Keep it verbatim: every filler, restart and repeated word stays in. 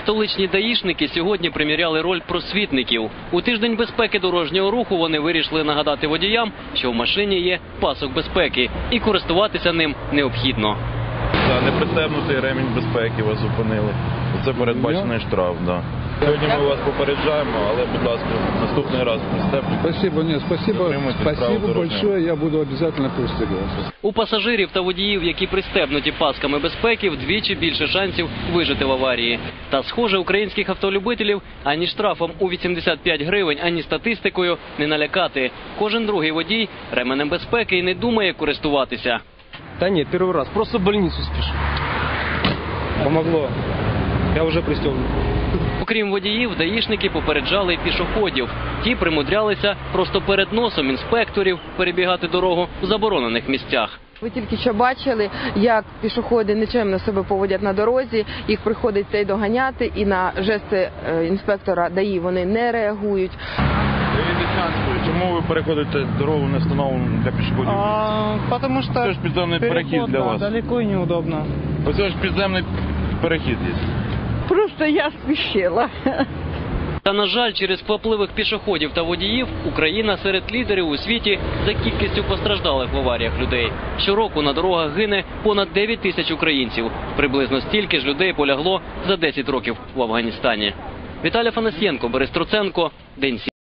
Столичні даїшники сьогодні приміряли роль просвітників. У тиждень безпеки дорожнього руху вони вирішили нагадати водіям, що в машині є пасок безпеки і користуватися ним необхідно. За непристебнутий ремінь безпеки вас зупинили. Це передбачений штраф, да. Сьогодні ми вас попереджаємо, але, будь ласка, наступний раз пристебніть. Спасибо, нет, спасибо, спасибо большое, я буду обязательно пристегиваться. У пасажирів та водіїв, які пристебнуті пасками безпеки, вдвічі більше шансів вижити в аварії. Та, схоже, українських автолюбителів ані штрафом у вісімдесят п'ять гривень, ані статистикою не налякати. Кожен другий водій ременем безпеки і не думає користуватися. Да нет, первый раз. Просто в больницу спешу. Помогло. Я уже пристегнут. Окрім водіїв, даїшники попереджали й пішоходів. Ті примудрялися просто перед носом інспекторів перебігати дорогу в заборонених місцях. Ви тільки що бачили, як пішоходи нечемно себе поводять на дорозі, їх приходиться і доганяти, і на жести інспектора ДАІ вони не реагують. Чому ви переходите дорогу не встановлену для пішоходів? А, потому что Це ж підземний переход, перехід для да, вас. далеко и неудобно. Ось ж підземний перехід є. Просто я спішила. Та, на жаль, через квапливих пішоходів та водіїв Україна серед лідерів у світі за кількістю постраждалих в аваріях людей. Щороку на дорогах гине понад дев'ять тисяч українців. Приблизно стільки ж людей полягло за десять років в Афганістані. Віталій Фанасьєнко, Борис Труценко, День